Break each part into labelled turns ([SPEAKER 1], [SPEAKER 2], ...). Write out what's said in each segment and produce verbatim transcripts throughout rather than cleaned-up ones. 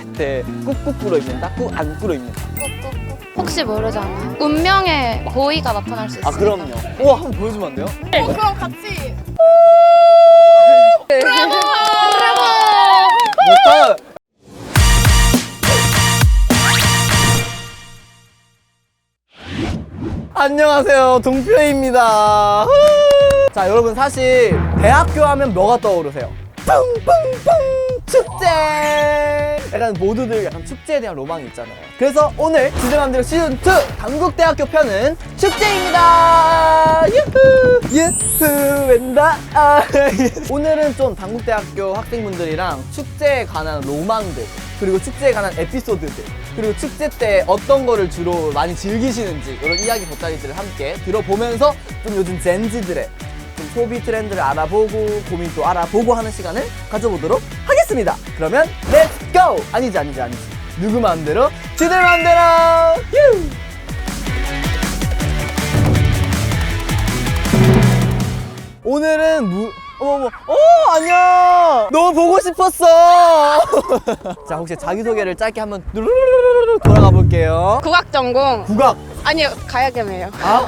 [SPEAKER 1] 셋 꾹꾹 꿇어입는다, 꾹 안 꿇어입는다.
[SPEAKER 2] 혹시 모르잖아요. 운명의 고의가 나타날 수 있어요.
[SPEAKER 1] 아 그럼요. 우와 한번 보여주면 안 돼요?
[SPEAKER 3] 어, 그럼 같이.
[SPEAKER 2] 브라보!
[SPEAKER 1] 못하 안녕하세요, 동표입니다. 자 여러분, 사실 대학교 하면 뭐가 떠오르세요? 뿡뿡뿡 축제! 약간 모두들 약간 축제에 대한 로망이 있잖아요. 그래서 오늘 지들맘대로 시즌 투 당국대학교 편은 축제입니다. 유후 유후 웬다. 아, 오늘은 좀 당국대학교 학생분들이랑 축제에 관한 로망들, 그리고 축제에 관한 에피소드들, 그리고 축제 때 어떤 거를 주로 많이 즐기시는지 이런 이야기 돗자리들을 함께 들어보면서 좀 요즘 젠지들의 좀 소비 트렌드를 알아보고 고민도 알아보고 하는 시간을 가져보도록 하겠습니다. 그러면 렛츠 고! 아니지 아니지 아니지 누구 맘대로 지들 맘대로. 휴! 오늘은 무... 어머머, 어 안녕! 너무 보고 싶었어! 자, 혹시 자기소개를 짧게 한번 누르르르르 돌아가 볼게요.
[SPEAKER 3] 국악 전공.
[SPEAKER 1] 국악!
[SPEAKER 3] 아니요, 가야금이에요.
[SPEAKER 1] 아?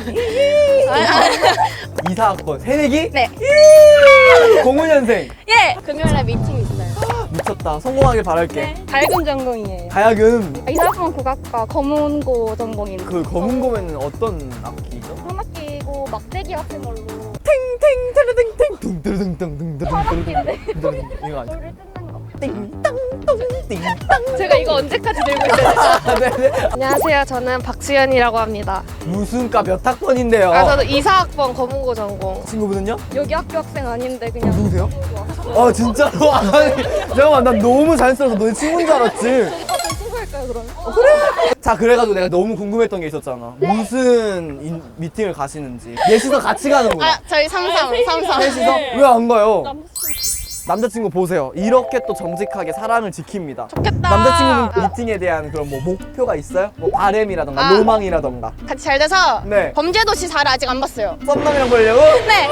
[SPEAKER 1] 이사학번 새내기?
[SPEAKER 3] 네.
[SPEAKER 1] 공오 년생
[SPEAKER 3] 예. 금요일에 미팅 있어요.
[SPEAKER 1] 미쳤다. 성공하길 바랄게.
[SPEAKER 3] 네. 가야금 전공이에요.
[SPEAKER 1] 가야금.
[SPEAKER 3] 이사학번 국악과 검은고 전공입니다.
[SPEAKER 1] 그 검은고면은 어떤 악기죠?
[SPEAKER 3] 현악기고 막대기 같은 걸로
[SPEAKER 1] 탱탱 테르탱탱 둥드르둥둥둥둥둥
[SPEAKER 3] 현악기인데
[SPEAKER 1] 이거 아니야?
[SPEAKER 3] 돌을 뜯는 거.
[SPEAKER 1] 띵땅똥 띵땅.
[SPEAKER 3] 제가 이거 언제까지 들고 있어요?
[SPEAKER 1] 아, 네네.
[SPEAKER 4] 안녕하세요. 저는 박수연이라고 합니다.
[SPEAKER 1] 무슨 과 몇 학번인데요?
[SPEAKER 4] 아, 저는 이사학번 검은고 전공.
[SPEAKER 1] 친구분은요?
[SPEAKER 4] 여기 학교 학생 아닌데 그냥
[SPEAKER 1] 누구세요? 아 진짜로? 아니 잠깐만, 난 너무 자연스러워서 너네 친구인 줄 알았지.
[SPEAKER 4] 다들 친구일까요 그러면?
[SPEAKER 1] 자, 그래가지고 내가 너무 궁금했던 게 있었잖아. 무슨 인- 미팅을 가시는지. 넷이서 같이 가는구나.
[SPEAKER 3] 아, 저희 삼삼, 삼삼.
[SPEAKER 1] 셋이서? 왜 안 가요? 남자친구 보세요. 이렇게 또 정직하게 사랑을 지킵니다.
[SPEAKER 3] 좋겠다.
[SPEAKER 1] 남자친구분 미팅에 대한 그런 뭐 목표가 있어요? 뭐 바램이라던가
[SPEAKER 3] 아.
[SPEAKER 1] 로망이라던가.
[SPEAKER 3] 같이 잘 돼서
[SPEAKER 1] 네.
[SPEAKER 3] 범죄도시 사를 아직 안 봤어요.
[SPEAKER 1] 썸남이랑 보려고?
[SPEAKER 3] 네.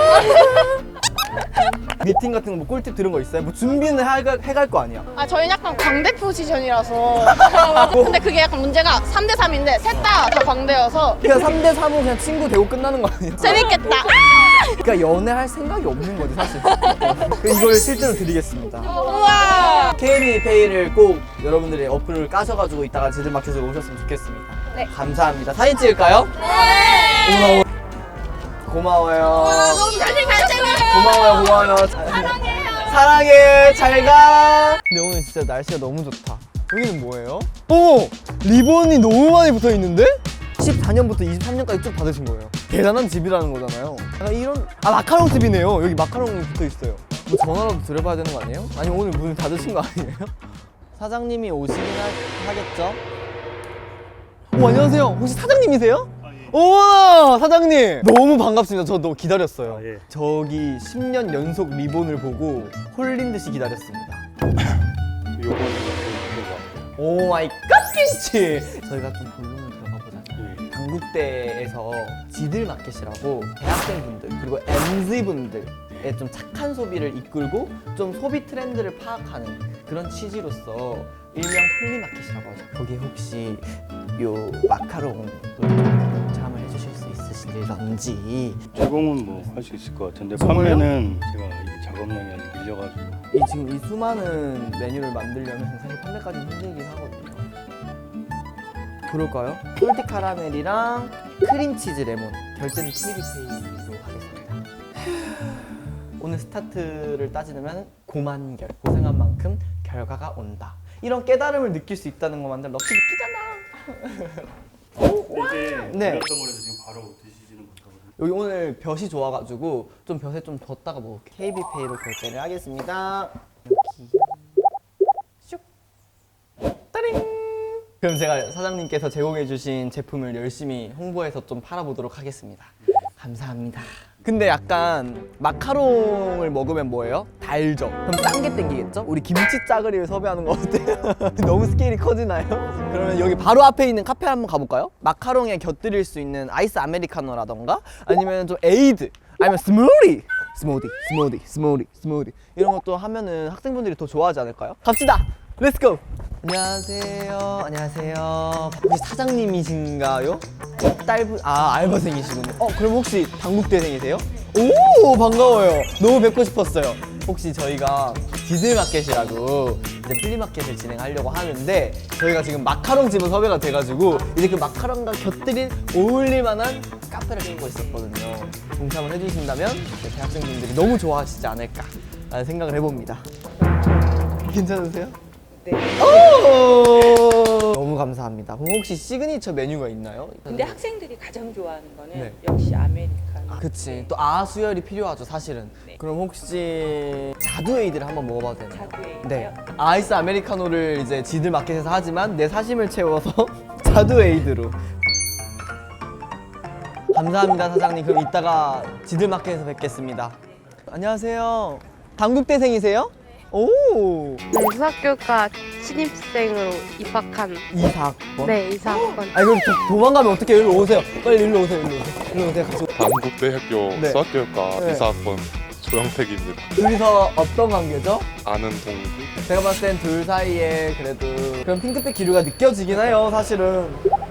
[SPEAKER 1] 미팅 같은 거 뭐 꿀팁 들은 거 있어요? 뭐 준비는 해갈, 해갈 거 아니야?
[SPEAKER 3] 아, 저희는 약간 광대 포지션이라서. 근데 그게 약간 문제가 삼 대 삼인데 셋 다 다 광대여서
[SPEAKER 1] 그냥 삼 대 삼은 그냥 친구 되고 끝나는 거 아니야?
[SPEAKER 3] 재밌겠다.
[SPEAKER 1] 그러니까 연애할 생각이 없는 거지 사실. 이걸 실제로 드리겠습니다.
[SPEAKER 3] 우와.
[SPEAKER 1] 케이비페이를 꼭 여러분들이 어플을 까셔가지고 이따가 지들마켓으로 오셨으면 좋겠습니다.
[SPEAKER 3] 네.
[SPEAKER 1] 감사합니다. 사진 찍을까요?
[SPEAKER 3] 네.
[SPEAKER 1] 고마워요.
[SPEAKER 3] 너무 사진 잘 찍어요.
[SPEAKER 1] 고마워요. 고마워요. 사랑해요. 사랑해. 잘 가. 근데 오늘 진짜 날씨가 너무 좋다. 여기는 뭐예요? 어머! 리본이 너무 많이 붙어 있는데? 십사 년부터 이십삼 년까지 쭉 받으신 거예요. 대단한 집이라는 거잖아요. 약간 이런, 아, 마카롱 집이네요. 여기 마카롱이 붙어 있어요. 뭐 전화라도 드려봐야 되는 거 아니에요? 아니 오늘 문을 닫으신 거 아니에요? 사장님이 오시긴 하, 하겠죠? 오, 안녕하세요. 혹시 사장님이세요? 우와, 사장님! 너무 반갑습니다. 저 너무 기다렸어요.
[SPEAKER 5] 아, 예.
[SPEAKER 1] 저기 십 년 연속 리본을 보고 홀린 듯이 기다렸습니다.
[SPEAKER 5] 요거는 이거
[SPEAKER 1] 오 마이 갓 김치! 저희가 좀 본론을 들어가 보자면 당국대에서 지들 마켓이라고 대학생분들 그리고 엠지분들의 좀 착한 소비를 이끌고 좀 소비 트렌드를 파악하는 그런 취지로서 일명 플리마켓이라고 하죠. 거기에 혹시 요 마카롱을 좀 체험을 해주실 수 있으신지.
[SPEAKER 5] 제공은 뭐 할 수 있을 것 같은데
[SPEAKER 1] 정말요?
[SPEAKER 5] 판매는 제가 이게 작업량이 아직 밀려가지고
[SPEAKER 1] 이 지금 이 수많은 메뉴를 만들려면 사실 판매까지는 힘들긴 하거든요. 그럴까요? 솔티 카라멜이랑 크림치즈 레몬 결제는 케이비페이로 하겠습니다. 오늘 스타트를 따지면 고만결, 고생한 만큼 결과가 온다. 이런 깨달음을 느낄 수 있다는 것만들 럭키 느끼잖아.
[SPEAKER 5] 이게
[SPEAKER 1] 네.
[SPEAKER 5] 밀렸던 거라서 지금 바로 드시지는 못하거든요.
[SPEAKER 1] 여기 오늘 볕이 좋아가지고 좀 볕에 좀 뒀다가 먹을게. 케이비페이로 결제를 하겠습니다. 여기 슉 따링. 그럼 제가 사장님께서 제공해주신 제품을 열심히 홍보해서 좀 팔아보도록 하겠습니다. 감사합니다. 근데 약간 마카롱을 먹으면 뭐예요? 달죠? 그럼 딴 게 땡기겠죠? 우리 김치 짜글이를 섭외하는 거 어때요? 너무 스케일이 커지나요? 그러면 여기 바로 앞에 있는 카페 한번 가볼까요? 마카롱에 곁들일 수 있는 아이스 아메리카노라던가 아니면 좀 에이드 아니면 스무디 스무디 스무디 스무디 스무디 이런 것도 하면은 학생분들이 더 좋아하지 않을까요? 갑시다! 렛츠고! 안녕하세요. 안녕하세요. 혹시 사장님이신가요? 딸분, 아, 알바생이시군요. 어, 그럼 혹시 당국대생이세요? 오, 반가워요. 너무 뵙고 싶었어요. 혹시 저희가 지들마켓이라고 이제 플리마켓을 진행하려고 하는데 저희가 지금 마카롱 집은 섭외가 돼가지고 이제 그 마카롱과 곁들인 어울릴 만한 카페를 찾고 있었거든요. 동참을 해주신다면 이제 대학생분들이 너무 좋아하시지 않을까 라는 생각을 해봅니다. 괜찮으세요?
[SPEAKER 6] 네.
[SPEAKER 1] 오! 너무 감사합니다. 그럼 혹시 시그니처 메뉴가 있나요?
[SPEAKER 6] 근데 학생들이 가장 좋아하는 거는
[SPEAKER 1] 네.
[SPEAKER 6] 역시 아메리카노.
[SPEAKER 1] 아, 그치. 또 아수혈이 필요하죠, 사실은.
[SPEAKER 6] 네.
[SPEAKER 1] 그럼 혹시 자두에이드를 한번 먹어봐도 되나요?
[SPEAKER 6] 자두에이드요?
[SPEAKER 1] 네. 아이스 아메리카노를 이제 지들 마켓에서 하지만 내 사심을 채워서 자두에이드로. 감사합니다, 사장님. 그럼 이따가 지들 마켓에서 뵙겠습니다. 안녕하세요. 당국대생이세요? 오!
[SPEAKER 4] 네, 수학교과 신입생으로 입학한
[SPEAKER 1] 이사학번?
[SPEAKER 4] 네, 이사학번.
[SPEAKER 1] 아니 그럼 도, 도망가면 어떻게 일로 오세요. 빨리 일로 오세요. 일로 오세요. 일로 오세요. 같이.
[SPEAKER 7] 단국대학교
[SPEAKER 1] 네.
[SPEAKER 7] 수학교육과
[SPEAKER 1] 네.
[SPEAKER 7] 이사학번 조영택입니다.
[SPEAKER 1] 둘이서 어떤 관계죠?
[SPEAKER 7] 아는 동기?
[SPEAKER 1] 제가 봤을 땐 둘 사이에 그래도 그런 핑크빛 기류가 느껴지긴 해요, 사실은.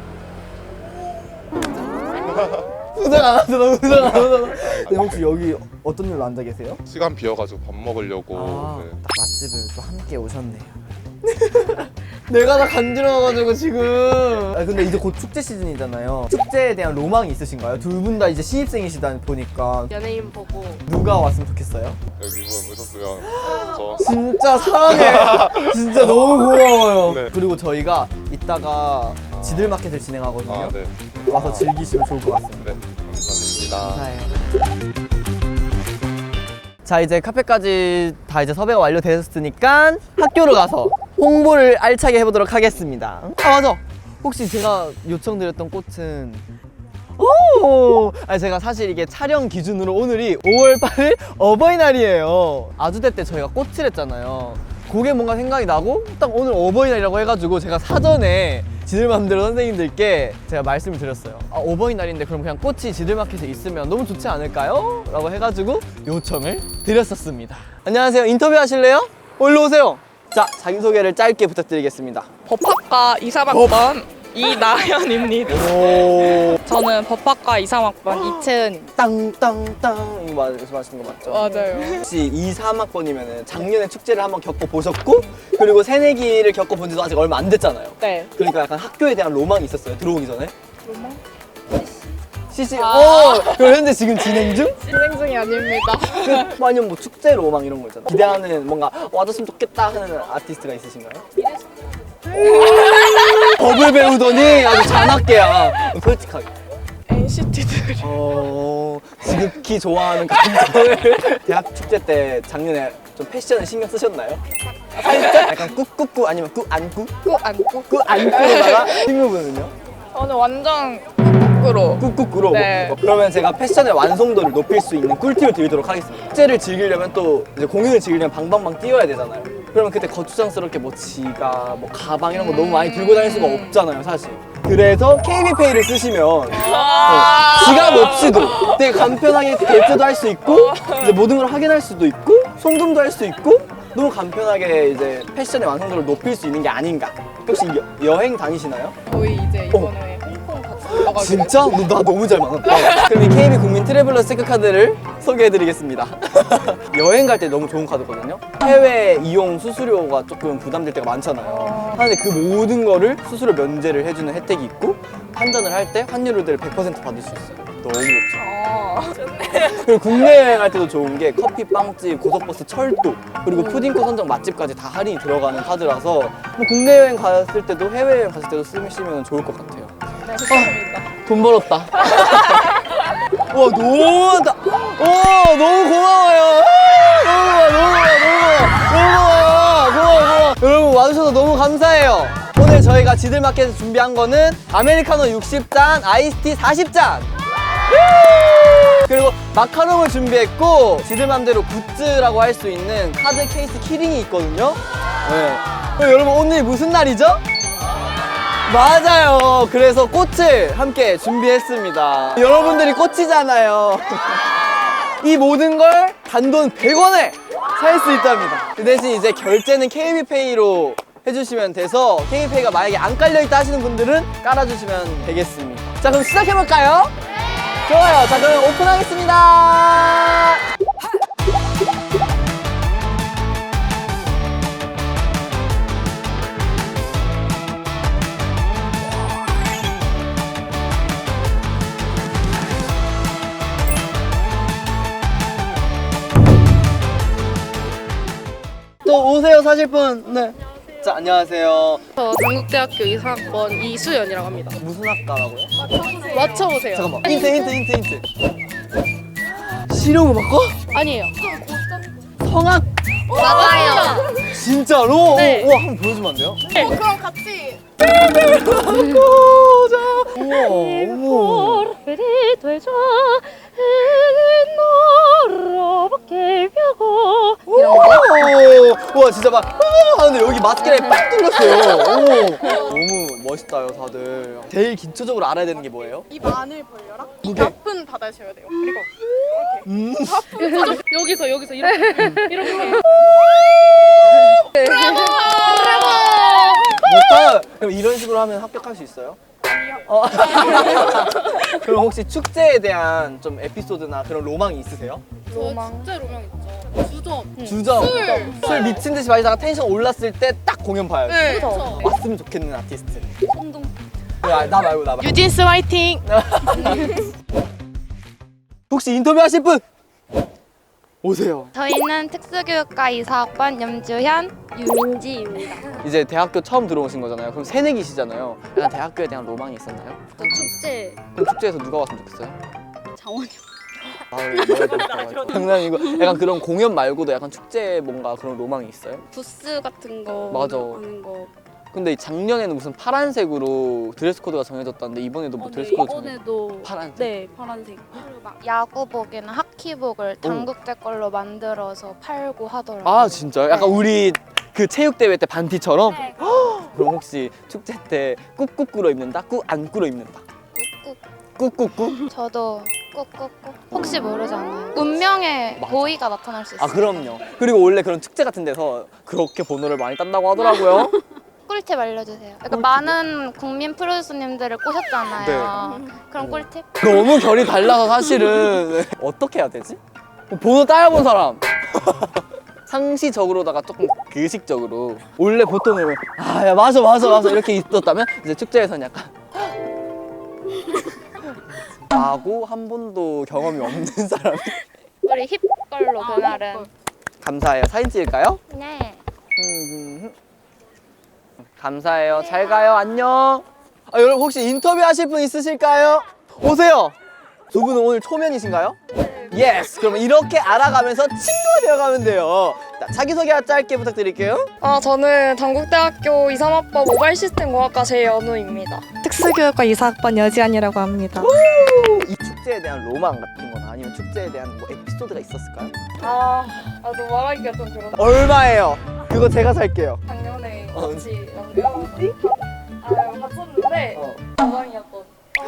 [SPEAKER 1] 우정 안 하잖아, 우정 안 하잖아. 근데 혹시 여기 어떤 일로 앉아 계세요?
[SPEAKER 7] 시간 비어가지고 밥 먹으려고.
[SPEAKER 1] 아,
[SPEAKER 7] 네.
[SPEAKER 1] 딱 맛집을 또 함께 오셨네요. 내가 다 간지러워가지고 지금. 아 근데 이제 곧 축제 시즌이잖아요. 축제에 대한 로망이 있으신가요? 둘 분 다 이제 신입생이시다 보니까
[SPEAKER 4] 연예인 보고
[SPEAKER 1] 누가 왔으면 좋겠어요?
[SPEAKER 7] 여기 분 오셨으면 저
[SPEAKER 1] 진짜 사랑해. 진짜 너무 고마워요.
[SPEAKER 7] 네.
[SPEAKER 1] 그리고 저희가 이따가 지들마켓을 진행하거든요.
[SPEAKER 7] 아, 네.
[SPEAKER 1] 와서 즐기시면 좋을 것 같습니다.
[SPEAKER 7] 네. 감사합니다.
[SPEAKER 1] 감사해요. 자, 이제 카페까지 다 이제 섭외가 완료되었으니까 학교로 가서 홍보를 알차게 해보도록 하겠습니다. 아, 맞아. 혹시 제가 요청드렸던 꽃은 오! 아니 제가 사실 이게 촬영 기준으로 오늘이 오월 팔일 어버이날이에요. 아주대 때 저희가 꽃을 했잖아요. 그게 뭔가 생각이 나고 딱 오늘 어버이날이라고 해가지고 제가 사전에 지들맘대로 선생님들께 제가 말씀을 드렸어요. 아, 어버이날인데 그럼 그냥 꽃이 지들마켓에 있으면 너무 좋지 않을까요? 라고 해가지고 요청을 드렸었습니다. 안녕하세요. 인터뷰 하실래요? 일로 오세요. 자, 자기소개를 짧게 부탁드리겠습니다.
[SPEAKER 8] 법학과 이삼학번 이나연입니다.
[SPEAKER 1] 오.
[SPEAKER 8] 저는 법학과 이삼학번 이채은입니다.
[SPEAKER 1] 땅땅땅 이거 말씀하시는 거 맞죠?
[SPEAKER 8] 맞아요.
[SPEAKER 1] 혹시 이, 삼학번이면은 작년에 축제를 한번 겪어보셨고 그리고 새내기를 겪어본 지도 아직 얼마 안 됐잖아요.
[SPEAKER 8] 네.
[SPEAKER 1] 그러니까 약간 학교에 대한 로망이 있었어요, 들어오기 전에.
[SPEAKER 8] 로망?
[SPEAKER 1] 씨씨, 오! 그럼 현재 지금 진행 중?
[SPEAKER 8] 진행 중이 아닙니다.
[SPEAKER 1] 그, 아니면 뭐 축제 로망 이런 거 있잖아요. 기대하는 뭔가 와줬으면 좋겠다 하는 아티스트가 있으신가요? 법을 배우더니 아주 잔악계야. 솔직하게.
[SPEAKER 8] 엔시티들.
[SPEAKER 1] 어, 지극히 좋아하는 감정을 대학 축제 때 작년에 좀 패션에 신경 쓰셨나요? 살짝? 약간 꾹꾹꾹 아니면 꾹안꾹?
[SPEAKER 8] 꾹 안고.
[SPEAKER 1] 꾹안꾹로다가 친구분은요?
[SPEAKER 8] 저는 완전 꾹꾹으로.
[SPEAKER 1] 꾹꾹꾹로.
[SPEAKER 8] 네.
[SPEAKER 1] 그러면 제가 패션의 완성도를 높일 수 있는 꿀팁을 드리도록 하겠습니다. 축제를 즐기려면 또 이제 공연을 즐기려면 방방방 뛰어야 되잖아요. 그러면 그때 거추장스럽게 뭐 지갑, 뭐 가방 이런 거 너무 많이 들고 다닐 수가 없잖아요, 사실. 그래서 케이비페이를 쓰시면 어, 지갑 없이도 되게 간편하게 결제도 할 수 있고 이제 모든 걸 확인할 수도 있고 송금도 할 수 있고 너무 간편하게 이제 패션의 완성도를 높일 수 있는 게 아닌가. 혹시 여, 여행 다니시나요?
[SPEAKER 8] 저희 이제 이번에 홍콩 같이 올라가지고.
[SPEAKER 1] 진짜? 너, 나 너무 잘 맞았다. 그럼 이 케이비 국민 트래블러 체크카드를 소개해드리겠습니다. 여행 갈 때 너무 좋은 카드거든요. 해외 이용 수수료가 조금 부담될 때가 많잖아요. 하는데 그 모든 거를 수수료 면제를 해주는 혜택이 있고 환전을 할 때 환율을 백 퍼센트 받을 수 있어요. 너무 좋죠.
[SPEAKER 8] 아,
[SPEAKER 1] 그리고 국내 여행할 때도 좋은 게 커피, 빵집, 고속버스, 철도 그리고 푸딩코 선정 맛집까지 다 할인이 들어가는 카드라서 뭐 국내 여행 갔을 때도 해외 여행 갔을 때도 쓰시면 좋을 것 같아요.
[SPEAKER 8] 네, 좋습니다.
[SPEAKER 1] 돈 벌었다. 와 너무 다. 와 너무 고마워요. 너무 고마워, 너무 고마워, 너무 고마워, 너무 고마워, 고마워, 고마워. 여러분 와주셔서 너무 감사해요. 오늘 저희가 지들마켓에서 준비한 거는 아메리카노 육십 잔, 아이스티 사십 잔. 그리고 마카롱을 준비했고 지들맘대로 굿즈라고 할 수 있는 카드 케이스 키링이 있거든요. 네. 그럼 여러분 오늘 무슨 날이죠? 맞아요. 그래서 꽃을 함께 준비했습니다. 여러분들이 꽃이잖아요. 이 모든 걸 단돈 백 원에 살 수 있답니다. 그 대신 이제 결제는 케이비페이로 해주시면 돼서 케이페이가 만약에 안 깔려있다 하시는 분들은 깔아주시면 되겠습니다. 자, 그럼 시작해볼까요? 좋아요. 자, 그럼 오픈하겠습니다. 또 오세요, 사실 분. 네. 자, 안녕하세요.
[SPEAKER 4] 저 당국대학교 이사학번 이수연이라고 합니다.
[SPEAKER 1] 무슨 학과라고요?
[SPEAKER 4] 맞춰보세요.
[SPEAKER 1] 잠깐만. 힌트, 힌트, 힌트, 힌트. 실용음악과?
[SPEAKER 4] 아니에요.
[SPEAKER 1] 성악?
[SPEAKER 2] 맞아요.
[SPEAKER 1] 진짜로?
[SPEAKER 4] 네.
[SPEAKER 1] 우와, 한번 보여주면 안 돼요?
[SPEAKER 3] 그럼 같이
[SPEAKER 1] 고자. 우와, 어머.
[SPEAKER 4] 되죠.
[SPEAKER 1] 이런 거? 우와, 진짜 막, 우 하는데 여기 마스크라인 빡 뚫렸어요. 오. 너무 멋있다요, 다들. 제일 기초적으로 알아야 되는 게 뭐예요?
[SPEAKER 3] 입 안을 벌려라.
[SPEAKER 1] 무게.
[SPEAKER 3] 가쁜 닫으셔야 돼요. 그리고
[SPEAKER 1] 음.
[SPEAKER 4] 여기서 여기서 이렇게 이렇게.
[SPEAKER 1] 못하 그럼 이런 식으로 하면 합격할 수 있어요? 어. 그럼 혹시 축제에 대한 좀 에피소드나 그런 로망이 있으세요?
[SPEAKER 4] 로망. 진짜 로망 있죠. 주점.
[SPEAKER 1] 주점. 술. 술 미친 듯이 마시다가 텐션 올랐을 때 딱 공연 봐야지.
[SPEAKER 3] 네.
[SPEAKER 1] 왔으면 좋겠는 아티스트. 손동. 야, 나 말고 나 말고.
[SPEAKER 3] 유진스 화이팅.
[SPEAKER 1] 혹시 인터뷰 하실 분? 오세요.
[SPEAKER 2] 저희는 특수교육과 이사학번 염주현, 유민지입니다.
[SPEAKER 1] 이제 대학교 처음 들어오신 거잖아요. 그럼 새내기시잖아요. 약간 대학교에 대한 로망이 있었나요?
[SPEAKER 2] 또 축제
[SPEAKER 1] 그럼 축제에서 누가 왔으면 좋겠어요?
[SPEAKER 2] 장원영.
[SPEAKER 1] 아, 장난이고 약간 그런 공연 말고도 약간 축제에 뭔가 그런 로망이 있어요?
[SPEAKER 4] 부스 같은 거
[SPEAKER 1] 맞아.
[SPEAKER 4] 하는 거.
[SPEAKER 1] 근데 작년에는 무슨 파란색으로 드레스 코드가 정해졌다는데 이번에도 뭐 드레스 코드 정해
[SPEAKER 4] 이번에도
[SPEAKER 1] 파란색?
[SPEAKER 4] 네 파란색.
[SPEAKER 2] 막 야구복이나 하키복을 당국대 걸로 만들어서 팔고 하더라고요.
[SPEAKER 1] 아 진짜요? 약간 우리 그 체육대회 때 반티처럼?
[SPEAKER 2] 네.
[SPEAKER 1] 그럼 혹시 축제 때 꾹꾹 꿇어 입는다? 꾹 안 꿇어 입는다?
[SPEAKER 2] 꾹꾹.
[SPEAKER 1] 꾹꾹꾹?
[SPEAKER 2] 저도 꾹꾹꾹. 혹시 모르잖아요. 운명의
[SPEAKER 1] 맞아.
[SPEAKER 2] 보이가 나타날 수 있어요.
[SPEAKER 1] 아 그럼요. 그리고 원래 그런 축제 같은 데서 그렇게 번호를 많이 딴다고 하더라고요.
[SPEAKER 2] 꿀팁 알려주세요. 그러니까 많은 국민 프로듀서님들을 꼬셨잖아요.
[SPEAKER 1] 네.
[SPEAKER 2] 그럼 꿀팁?
[SPEAKER 1] 너무 결이 달라서 사실은 어떻게 해야 되지? 번호 따여본 사람 상시적으로다가 조금 의식적으로 원래 보통은 아야 맞아 맞아 맞아 이렇게 있었다면 이제 축제에서는 약간 나고 한 번도 경험이 없는 사람이
[SPEAKER 2] 우리 힙 걸로 그날은.
[SPEAKER 1] 감사해요. 사진 찍을까요?
[SPEAKER 2] 네.
[SPEAKER 1] 음, 감사해요. 잘 가요. 안녕. 아, 여러분 혹시 인터뷰 하실 분 있으실까요? 오세요. 두 분은 오늘 초면이신가요? 예스. 그럼 이렇게 알아가면서 친구가 되어가면 돼요. 자, 자기소개 짧게 부탁드릴게요.
[SPEAKER 9] 아, 저는 당국대학교 이삼학번 모바일 시스템 공학과 제연우입니다. 특수교육과 이사학번 여지안이라고 합니다.
[SPEAKER 1] 이 축제에 대한 로망 같은 거나 아니면 축제에 대한 뭐 에피소드가 있었을까요?
[SPEAKER 9] 아, 아, 또 말하기가 좀 그렇다.
[SPEAKER 1] 얼마예요? 그거 제가 살게요.
[SPEAKER 9] 작년에
[SPEAKER 1] 어.
[SPEAKER 9] 같이 아, 봤었는데
[SPEAKER 1] 어.
[SPEAKER 9] 가방이었던.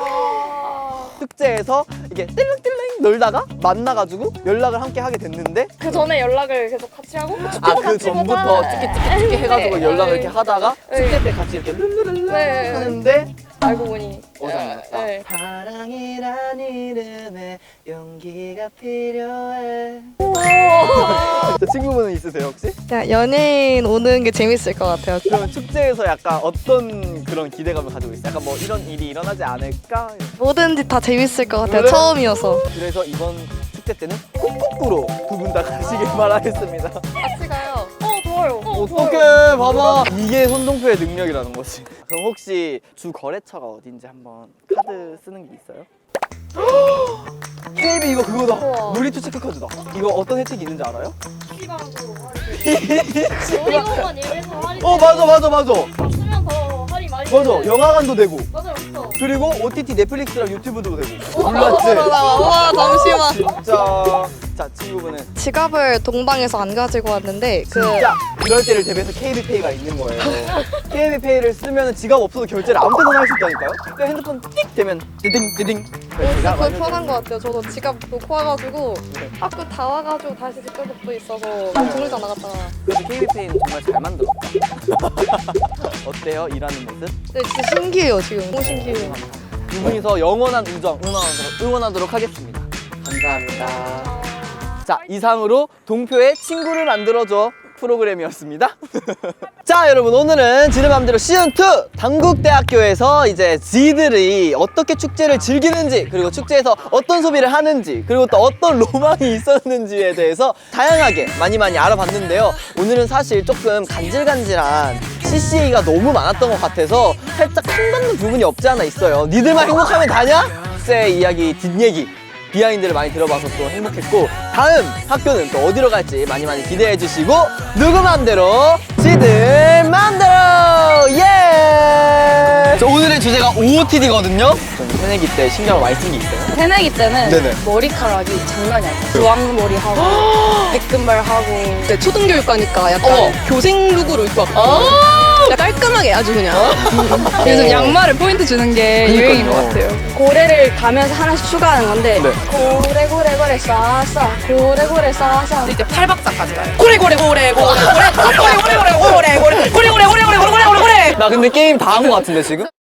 [SPEAKER 1] 축제에서 이게 띨띨띨 놀다가 만나가지고 연락을 함께 하게 됐는데
[SPEAKER 9] 그 전에 연락을 계속 같이 하고
[SPEAKER 1] 아 그 전부터 찌끼찌끼찌끼 해가지고
[SPEAKER 9] 네.
[SPEAKER 1] 연락을
[SPEAKER 9] 네.
[SPEAKER 1] 이렇게 하다가
[SPEAKER 9] 네.
[SPEAKER 1] 축제 때 같이 이렇게 룰루룰루
[SPEAKER 9] 네.
[SPEAKER 1] 하는데
[SPEAKER 9] 알고 보니
[SPEAKER 1] 오장이었다.
[SPEAKER 9] 네.
[SPEAKER 1] 사랑이란 이름에 용기가 필요해. 저 친구분은 있으세요 혹시?
[SPEAKER 9] 그냥 연예인 오는 게 재밌을 것 같아요.
[SPEAKER 1] 그러면 축제에서 약간 어떤 그런 기대감을 가지고 있어요? 약간 뭐 이런 일이 일어나지 않을까?
[SPEAKER 9] 뭐든지 다 재밌을 것 같아요.
[SPEAKER 1] 그래?
[SPEAKER 9] 처음이어서.
[SPEAKER 1] 그래서 이번 축제 때는 꾹꾹꾸로 두 분 다 가시길 바라겠습니다.
[SPEAKER 9] 같이 가요. 어, 좋아요.
[SPEAKER 1] 어떡해 봐봐 이게 손동표의 능력이라는 거지. 그럼 혹시 주 거래처가 어딘지 한번 카드 쓰는 게 있어요? 케이비 이거 그거다.
[SPEAKER 9] 우와.
[SPEAKER 1] 놀이터 체크카드다. 이거 어떤 혜택이 있는지 알아요?
[SPEAKER 9] 놀이공원 일에서 할인.
[SPEAKER 1] 어 맞아 맞아 맞아
[SPEAKER 9] 쓰면 더 할인 많이.
[SPEAKER 1] 맞아 영화관도 되고
[SPEAKER 9] 맞아요, 맞죠.
[SPEAKER 1] 그리고 오티티 넷플릭스랑 유튜브도 되고 몰랐지?
[SPEAKER 9] 와, 잠시만.
[SPEAKER 1] 진짜 자 친구분은
[SPEAKER 9] 지갑을 동방에서 안 가지고 왔는데 그
[SPEAKER 1] 진짜 이럴 때를 대비해서 케이비페이가 있는 거예요. 케이비페이를 쓰면 지갑 없어도 결제를 아무 때나 할 수 있다니까요. 그러니까 핸드폰 띡 되면 디딩 디딩
[SPEAKER 9] 진짜 그게 편한 것 같아요. 저도 지갑 놓고 와가지고 학교 다 와가지고 다시 집가복도 있어서 공장 나갔다가.
[SPEAKER 1] 그래도 케이비페이는 정말 잘 만들었다. 어때요? 일하는 모습?
[SPEAKER 9] 네, 진짜 신기해요 지금. 너무 신기해요.
[SPEAKER 1] 두 분이서 영원한 우정 응원하도록, 응원하도록 하겠습니다. 감사합니다. 자, 이상으로 동표의 친구를 만들어줘 프로그램이었습니다. 자, 여러분, 오늘은 지들 맘대로 시즌 투 당국대학교에서 이제 지들이 어떻게 축제를 즐기는지, 그리고 축제에서 어떤 소비를 하는지, 그리고 또 어떤 로망이 있었는지에 대해서 다양하게 많이 많이 알아봤는데요. 오늘은 사실 조금 간질간질한 씨씨에이가 너무 많았던 것 같아서 살짝 킹받는 부분이 없지 않아 있어요. 니들만 행복하면 다냐? 축제 이야기, 뒷얘기, 비하인드를 많이 들어봐서 또 행복했고, 다음 학교는 또 어디로 갈지 많이 많이 기대해 주시고, 누구 맘대로 지들 맘대로 예! 저 오늘의 주제가 오오티디거든요. 저는 새내기 때 신경을 많이 쓴 게 있어요.
[SPEAKER 3] 새내기 때는
[SPEAKER 1] 네네.
[SPEAKER 3] 머리카락이 장난이 아니에요. 주황머리 하고 백금발 하고
[SPEAKER 9] 네, 초등교육과니까 약간
[SPEAKER 3] 어.
[SPEAKER 9] 교생 룩으로 입고 왔고 깔끔하게 아주 그냥.
[SPEAKER 3] 요즘 양말을 포인트 주는 게 유행인 것 같아요. 고래를 가면서 하나씩 추가하는 건데
[SPEAKER 1] 네.
[SPEAKER 3] 고래 고래 고래 싸싸 고래 고래 싸싸
[SPEAKER 8] 이제 팔박자까지 가요.
[SPEAKER 3] 고래 고래 고래 고래 고래 고래 고래 고래 고래 고래 고래 고래 고래 고래 고래 고래 고래
[SPEAKER 1] 나 근데 게임 다 한 것 같은데 지금?